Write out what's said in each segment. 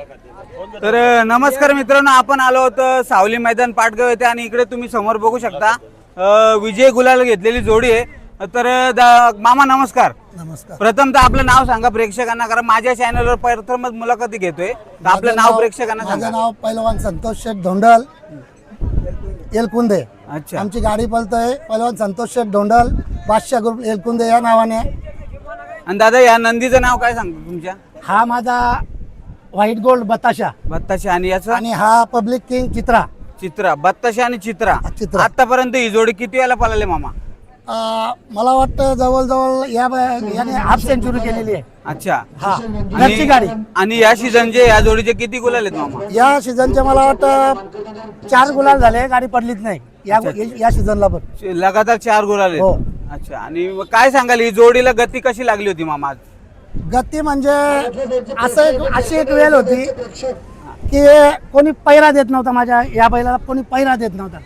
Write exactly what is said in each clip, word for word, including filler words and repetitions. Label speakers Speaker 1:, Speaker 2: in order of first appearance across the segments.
Speaker 1: तर नमस्कार मित्रांनो, आपण आलो होतो सावली मैदान पाटगाव येथे आणि इकडे तुम्ही समोर बघू शकता अ, विजय गुलाल घेतलेली जोडी आहे. तर दा- मामा नमस्कार.
Speaker 2: नमस्कार.
Speaker 1: प्रथम तर आपलं नाव सांगा प्रेक्षकांना, कारण माझ्या चॅनलवर प्रथमच मुलाखती घेतोय, तर आपलं नाव प्रेक्षकांना
Speaker 2: माझं
Speaker 1: सांगा.
Speaker 2: नाव पहिलवान संतोष शेठ धोंडल एलकुंदे.
Speaker 1: अच्छा.
Speaker 2: आमची गाडी पळतोय पहिलवान संतोष शेठ धोंडल बादशाह ग्रुप एलकुंदे या नावाने.
Speaker 1: आणि दादा या नंदीचं नाव काय सांगतो तुमच्या?
Speaker 2: हा माझा व्हाईट गोल्ड बताशा
Speaker 1: बत्ताशे आणि याचं
Speaker 2: आणि हा पब्लिक किंग चित्रा.
Speaker 1: चित्रा. बत्ताशे आणि चित्रा.
Speaker 2: चित्रा.
Speaker 1: आतापर्यंत ही जोडी किती वेळा पळाले मामा?
Speaker 2: अं, मला वाटतं जवळजवळ या याने हाफ सेंचुरी केलेली आहे.
Speaker 1: अच्छा.
Speaker 2: हा
Speaker 1: आणि-
Speaker 2: घरची गाडी.
Speaker 1: आणि या सीझनचे या जोडीचे किती गुलाल आहेत मामा?
Speaker 2: या सीझनचे मला वाटतं चार गुलाल झाले, गाडी पडलीच नाही या या सीझनला पण.
Speaker 1: लगातार चार गुलाल आहेत.
Speaker 2: हो.
Speaker 1: अच्छा. आणि मग काय सांगाल ही जोडीला गती कशी लागली होती मामा आज?
Speaker 2: गती म्हणजे असं एक अशी एक वेळ होती की कोणी पैरा देत नव्हता, माझ्या या बैलाला कोणी पैरा देत नव्हता,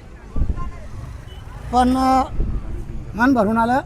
Speaker 2: पण अं, मन भरून आलं.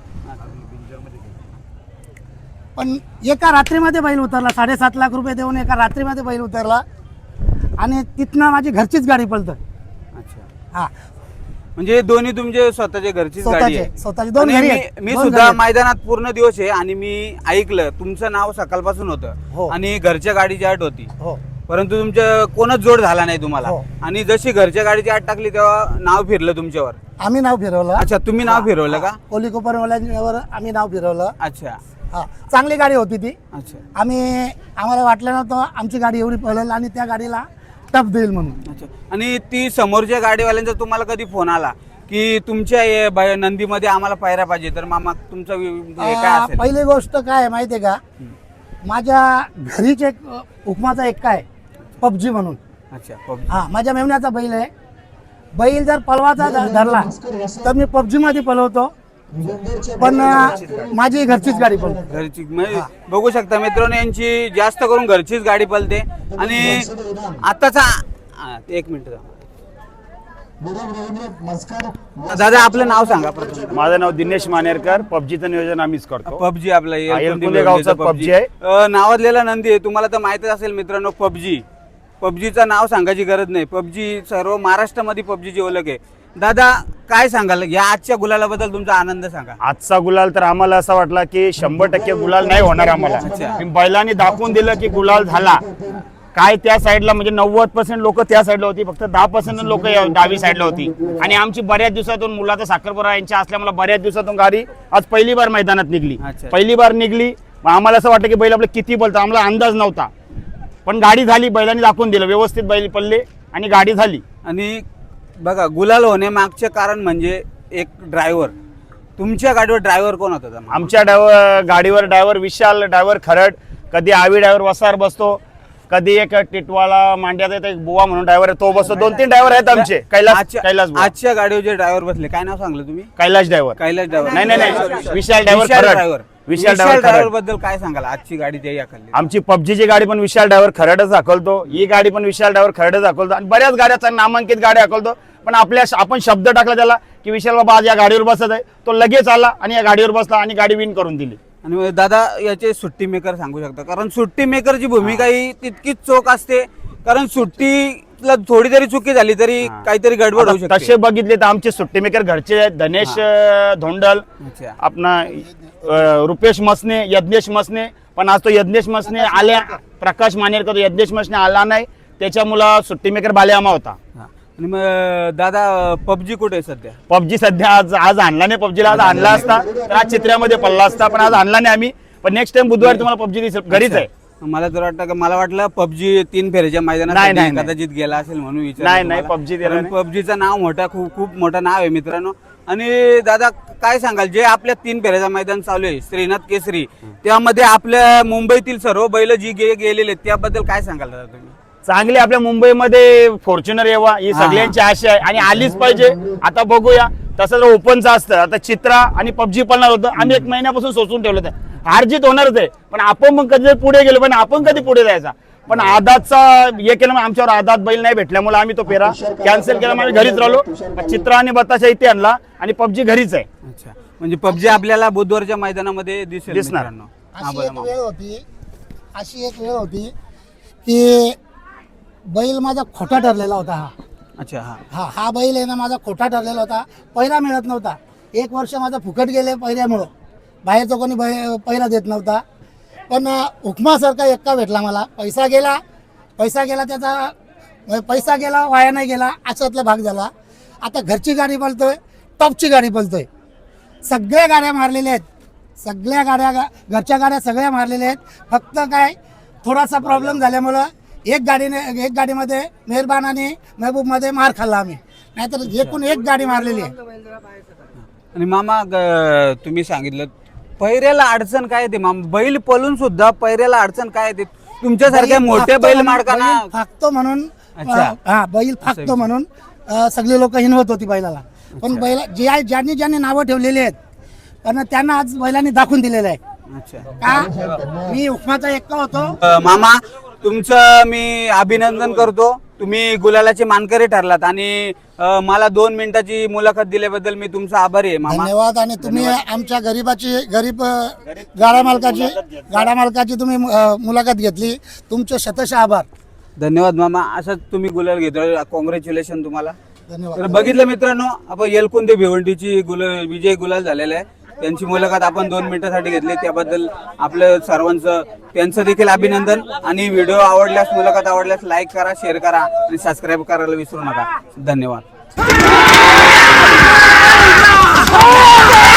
Speaker 2: पण एका रात्रीमध्ये बैल उतरला, साडेसात लाख रुपये देऊन एका रात्रीमध्ये बैल उतरला आणि तिथनं माझी घरचीच गाडी पळतं.
Speaker 1: अच्छा.
Speaker 2: हा
Speaker 1: म्हणजे दोन्ही तुमचे स्वतःचे घरचीच गाडी
Speaker 2: स्वतःचे
Speaker 1: आहे?
Speaker 2: स्वतःचे दोन
Speaker 1: आणि
Speaker 2: घरी
Speaker 1: मी
Speaker 2: आहेत.
Speaker 1: मी
Speaker 2: दोन
Speaker 1: सुद्धा
Speaker 2: घरी आहेत.
Speaker 1: मैदानात पूर्ण दिवस आहे आणि मी ऐकलं तुमचं नाव सकाळपासून
Speaker 2: हो.
Speaker 1: होतं आणि घरच्या गाडीची आठ होती,
Speaker 2: हो
Speaker 1: परंतु तुमचं कोणच जोड झाला नाही तुम्हाला.
Speaker 2: हो.
Speaker 1: आणि जशी घरच्या गाडीची आठ टाकली तेव्हा नाव फिरलं तुमच्यावर.
Speaker 2: आम्ही नाव फिरवलं.
Speaker 1: अच्छा, तुम्ही नाव फिरवलं का?
Speaker 2: कोली कोपरवाल्यांवर आम्ही नाव फिरवलं.
Speaker 1: अच्छा.
Speaker 2: हा चांगली गाडी होती ती.
Speaker 1: अच्छा.
Speaker 2: आम्ही आम्हाला वाटलं नव्हतं आमची गाडी एवढी पळेल आणि त्या गाडीला टप देईल म्हणून.
Speaker 1: अच्छा. आणि ती समोरच्या गाडीवाल्यांचा तुम्हाला कधी फोन आला की तुमच्या हे ब- नंदीमध्ये आम्हाला पायऱ्या पाहिजे, तर मामा तुमचं वि- हे काय
Speaker 2: आ,
Speaker 1: असेल?
Speaker 2: पहिली गोष्ट काय आहे माहितीये का, माझ्या घरीच एक अ, उपमाचा एक काय पबजी म्हणून.
Speaker 1: अच्छा. पब-
Speaker 2: हा माझ्या मेमण्याचा बैल आहे. बैल जर पलवाचा ध- धरला तर मी पबजी मध्ये पलवतो, पण अ, माझी घरचीच गाडी पळतो.
Speaker 1: घरची म्हणजे बघू शकता मित्रांनो, यांची जास्त करून घरचीच गाडी पळते. आणि आताचा हा, एक मिनिट दादा आपलं नाव सांगा प्रथम.
Speaker 3: माझं नाव दिनेश मानेरकर. पबजीचं नियोजन आम्हीच करतो.
Speaker 1: पबजी आपलं
Speaker 3: हा, एलकुंदे गावचा पबजी आहे.
Speaker 1: अ, नावाजलेला नंदी आहे, तुम्हाला तर माहितच असेल मित्रांनो. पबजी पबजीचं नाव सांगायची गरज नाही. पबजी सर्व महाराष्ट्रामध्ये पबजीची ओळख आहे. दादा काय सांगाल या आजच्या गुलालाबद्दल तुमचा आनंद सांगा.
Speaker 3: आजचा गुलाल तर आम्हाला असा वाटला की शंभर टक्के गुलाल नाही होणार आम्हाला.
Speaker 1: अच्छा.
Speaker 3: बैलांनी दाखवून दिलं की गुलाल झाला. काय त्या साईडला म्हणजे नव्वद पर्सेंट लोक त्या साईडला होती, फक्त दहा पर्सेंट लोक डावी साईडला होती. आणि आमची बऱ्याच दिवसातून मुलाचा साखरपुडा यांच्या असल्यामुळे बऱ्याच दिवसातून गाडी आज पहिली बार मैदानात निघली.
Speaker 1: अच्छा.
Speaker 3: पहिली बार निघली. मग आम्हाला असं वाटलं की बैल आपलं किती बोलतं, आम्हाला अंदाज नव्हता, पण गाडी झाली. बैलांनी दाखवून दिलं व्यवस्थित, बैल पडले आणि गाडी झाली.
Speaker 1: आणि बघा गुलाल होणे मागचे कारण म्हणजे एक ड्रायव्हर. तुमच्या गाडीवर ड्रायव्हर कोण होता?
Speaker 3: आमच्या ड्रायव्हर गाडीवर ड्रायव्हर विशाल ड्रायव्हर खरड, कधी आवी ड्रायव्हर वसार बसतो, कधी एक टिटवाला मांड्याचा एक बुवा म्हणून ड्रायव्हर आहे तो बसतो. दोन तीन ड्रायव्हर आहेत आमचे. कैलास
Speaker 1: आजच्या-
Speaker 3: कैलास बुवा.
Speaker 1: आजच्या गाडीवर जे ड्रायव्हर बसले काय नाव सांगलं तुम्ही?
Speaker 3: Kailas driver
Speaker 1: Kailas driver.
Speaker 3: नाही, नाही, नाही. Vishal driver Kharad.
Speaker 1: Driver.
Speaker 3: Vishal
Speaker 1: Vishal
Speaker 3: driver
Speaker 1: driver
Speaker 3: Kharad.
Speaker 1: बद्दल काय सांगाल? आजची गाडी ते या खाल्ली.
Speaker 3: आमची पबजीची गाडी पण विशाल ड्रायव्हर खरडच दाखवतो, ही गाडी पण विशाल ड्रायव्हर खरडच दाखवतो आणि बऱ्याच गाड्या नामांकित गाड्या दाखवतो. पण आपल्या आपण शब्द टाकला त्याला की विशाल बाबा आज या गाडीवर बसत आहे, तो लगेच आला आणि या गाडीवर बसला आणि गाडी विन करून दिली.
Speaker 1: आणि मग दादा याचे सुट्टी मेकर सांगू शकता, कारण सुट्टी मेकरची भूमिका ही तितकीच चोख असते, कारण सुट्टीला थोडी जरी चुकी झाली तरी काहीतरी गडबड होऊ
Speaker 3: आता
Speaker 1: शकते.
Speaker 3: तसे बघितले तर आमचे सुट्टी मेकर घरचे आहेत. धनेश अं, धोंडल,
Speaker 1: अच्छा.
Speaker 3: आपला अं, रुपेश मसने, यज्ञेश मसने. पण आज तो यज्ञेश मसने आल्या, प्रकाश मानेरकर यज्ञेश मसने आला नाही, त्याच्या मुला सुट्टी मेकर बालेआमा होता.
Speaker 1: हा. आणि मग दादा पबजी कुठे आहे सध्या?
Speaker 3: पबजी सध्या आज आज आणला नाही. पबजीला आज आणला असता तर आज चित्र्यामध्ये पडला असता, पण आज आणला नाही आम्ही. पण नेक्स्ट टाइम बुधवारी तुम्हाला पबजी दिसेल. घरीच आहे.
Speaker 1: मला तर वाटतं का मला वाटलं पबजी तीन फेऱ्याच्या मैदानात
Speaker 3: नाही, नाही, नाही.
Speaker 1: कदाचित गेला असेल म्हणून विचार.
Speaker 3: नाही, नाही, PUBG गेला नाही.
Speaker 1: पबजीचं नाव मोठा खूप खूप मोठं नाव आहे मित्रांनो. आणि दादा काय सांगाल जे आपल्या तीन फेऱ्याचं मैदान चालू आहे श्रीनाथ केसरी, त्यामध्ये आपल्या मुंबईतील सर्व बैल जी गे- गेलेले आहेत, त्याबद्दल काय सांगाल दादा तुम्ही?
Speaker 3: चांगली आपल्या मुंबईमध्ये फॉर्च्युनर यावा ही
Speaker 1: हा.
Speaker 3: सगळ्यांची आशा आहे आणि आलीच पाहिजे. आता बघूया. तसं जर ओपनचं असतं आता चित्रा आणि पबजी पळणार होतं, आम्ही एक महिन्यापासून सोचून ठेवलं होतं. हारजीत होणारच आहे, पण आपण मग कधी पुढे गेलो, पण आपण कधी पुढे जायचा. पण आदातचा हे केलं, आमच्यावर आदात बैल नाही भेटल्यामुळे आम्ही तो फेरा कॅन्सल केला. आम्ही घरीच राहिलो. चित्रा आणि बताशा इथे आणला आणि पबजी घरीच आहे.
Speaker 1: अच्छा, म्हणजे पबजी आपल्याला बुधवारच्या मैदानामध्ये दिसेल
Speaker 3: दिसणार.
Speaker 1: मित्रांनो. हा,
Speaker 2: अशी
Speaker 1: बरं
Speaker 2: एक
Speaker 1: मग.
Speaker 2: वेळ होती अशी एक वेळ होती की बैल माझा खोटा ठरलेला होता हा
Speaker 1: अच्छा हा
Speaker 2: हा हा बैल आहे ना माझा खोटा ठरलेला होता. पैरा मिळत नव्हता. एक वर्ष माझा फुकट गेले पैऱ्यामुळं. बाहेरचं कोणी बै पैरा देत नव्हता. पण हुकमासारखा एक्का भेटला मला. पैसा गेला पैसा गेला त्याचा पैसा गेला वाया नाही गेला अशातला भाग झाला. आता घरची गाडी बोलतोय, टॉपची गाडी बोलतोय. सगळ्या गाड्या मारलेल्या आहेत. सगळ्या गाड्या घरच्या गाड्या सगळ्या मारलेल्या आहेत. फक्त काय थोडासा प्रॉब्लेम झाल्यामुळं एक गाडीने एक गाडीमध्ये मेहरबान आणि महबूबमध्ये मार खाल्ला आम्ही. नाहीतर एकूण एक गाडी मारलेली आहे.
Speaker 1: आणि मामा ग- तुम्ही सांगितलं पैऱ्याला अडचण काय येते मामा? बैल पळून सुद्धा पैऱ्याला अडचण काय येते? तुमच्यासारख्या मोठ्या बैल मालकांना
Speaker 2: बैल फाकतो म्हणून
Speaker 1: अच्छा.
Speaker 2: हा बैल फाकतो म्हणून अ, सगळी लोक हिनवत होती बैलाला. पण बैल जे आहे ज्यांनी ज्यांनी नावं ठेवलेली आहेत पण त्यांना आज बैलांनी दाखवून दिलेलं आहे.
Speaker 1: अच्छा
Speaker 2: का मी हुकमाचा एक्का होतो.
Speaker 1: अ, मामा तुमचं मी अभिनंदन करतो. तुम्ही गुलालाचे मानकरी ठरलात आणि अ, मला दोन मिनिटाची मुलाखत दिल्याबद्दल मी तुमचा आभारी आहे मामा.
Speaker 2: धन्यवाद. आणि तुम्ही आमच्या गरीबाची गरीब अ, गाडा मालकाची गाडा मालकाची तुम्ही अ, मुलाखत घेतली. तुमचे शतशः आभार.
Speaker 1: धन्यवाद मामा. असंच तुम्ही गुलाल घेतो. कॉंग्रॅच्युलेशन तुम्हाला.
Speaker 2: धन्यवाद.
Speaker 1: तर बघितलं मित्रांनो आपण येलकुंदे भिवंडीची गुल विजय गुलाल झालेला आहे. त्यांची मुलाखत आपण दोन मिनिटासाठी घेतली. त्याबद्दल आपलं सर्वांचं त्यांचं देखील अभिनंदन. आणि व्हिडिओ आवडल्यास मुलाखत आवडल्यास लाईक करा, शेअर करा आणि सबस्क्राईब करायला विसरू नका. धन्यवाद.